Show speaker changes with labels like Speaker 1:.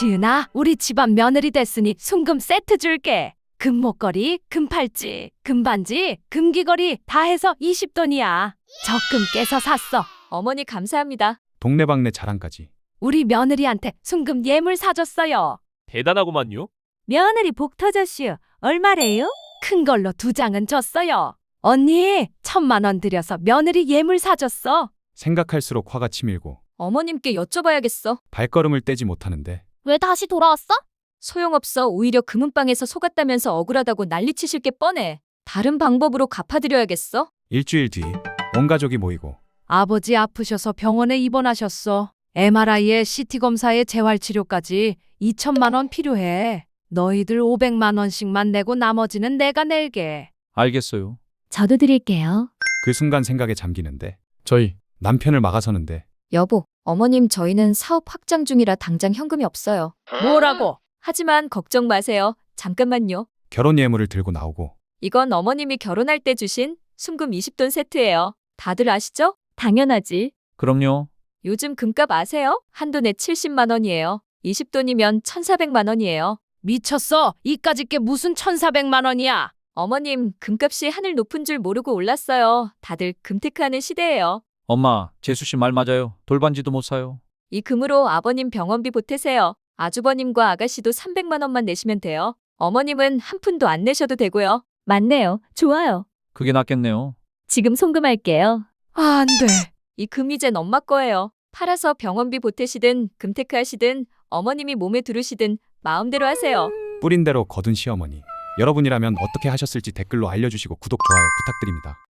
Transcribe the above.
Speaker 1: 지은아, 우리 집안 며느리 됐으니 순금 세트 줄게. 금목걸이, 금팔찌, 금반지, 금귀걸이 다 해서 20돈이야. 적금 깨서 샀어.
Speaker 2: 어머니 감사합니다.
Speaker 3: 동네방네 자랑까지.
Speaker 1: 우리 며느리한테 순금 예물 사줬어요.
Speaker 4: 대단하구만요.
Speaker 1: 며느리 복 터졌슈. 얼마래요? 큰 걸로 2장은 줬어요. 언니, 1,000만 원 들여서 며느리 예물 사줬어.
Speaker 3: 생각할수록 화가 치밀고
Speaker 2: 어머님께 여쭤봐야겠어.
Speaker 3: 발걸음을 떼지 못하는데
Speaker 5: 왜 다시 돌아왔어?
Speaker 2: 소용없어. 오히려 금은방에서 속았다면서 억울하다고 난리치실 게 뻔해. 다른 방법으로 갚아드려야겠어.
Speaker 3: 일주일 뒤 온 가족이 모이고
Speaker 1: 아버지 아프셔서 병원에 입원하셨어. MRI에 CT 검사에 재활치료까지 2천만 원 필요해. 너희들 500만 원씩만 내고 나머지는 내가 낼게.
Speaker 6: 알겠어요.
Speaker 5: 저도 드릴게요.
Speaker 3: 그 순간 생각에 잠기는데
Speaker 6: 저희
Speaker 3: 남편을 막아서는데
Speaker 2: 여보, 어머님 저희는 사업 확장 중이라 당장 현금이 없어요.
Speaker 1: 뭐라고?
Speaker 2: 하지만 걱정 마세요. 잠깐만요.
Speaker 3: 결혼 예물을 들고 나오고
Speaker 2: 이건 어머님이 결혼할 때 주신 순금 20돈 세트예요. 다들 아시죠? 당연하지.
Speaker 6: 그럼요.
Speaker 2: 요즘 금값 아세요? 한 돈에 70만 원이에요. 20돈이면 1,400만 원이에요.
Speaker 1: 미쳤어. 이까짓 게 무슨 1,400만 원이야.
Speaker 2: 어머님, 금값이 하늘 높은 줄 모르고 올랐어요. 다들 금테크하는 시대예요.
Speaker 6: 엄마, 재수 씨 말 맞아요. 돌반지도 못 사요.
Speaker 2: 이 금으로 아버님 병원비 보태세요. 아주버님과 아가씨도 300만 원만 내시면 돼요. 어머님은 한 푼도 안 내셔도 되고요.
Speaker 5: 맞네요. 좋아요.
Speaker 6: 그게 낫겠네요.
Speaker 5: 지금 송금할게요.
Speaker 1: 안 돼.
Speaker 2: 이 금 이젠 엄마 거예요. 팔아서 병원비 보태시든 금테크 하시든 어머님이 몸에 두르시든 마음대로 하세요.
Speaker 3: 뿌린 대로 거둔 시어머니. 여러분이라면 어떻게 하셨을지 댓글로 알려주시고 구독, 좋아요 부탁드립니다.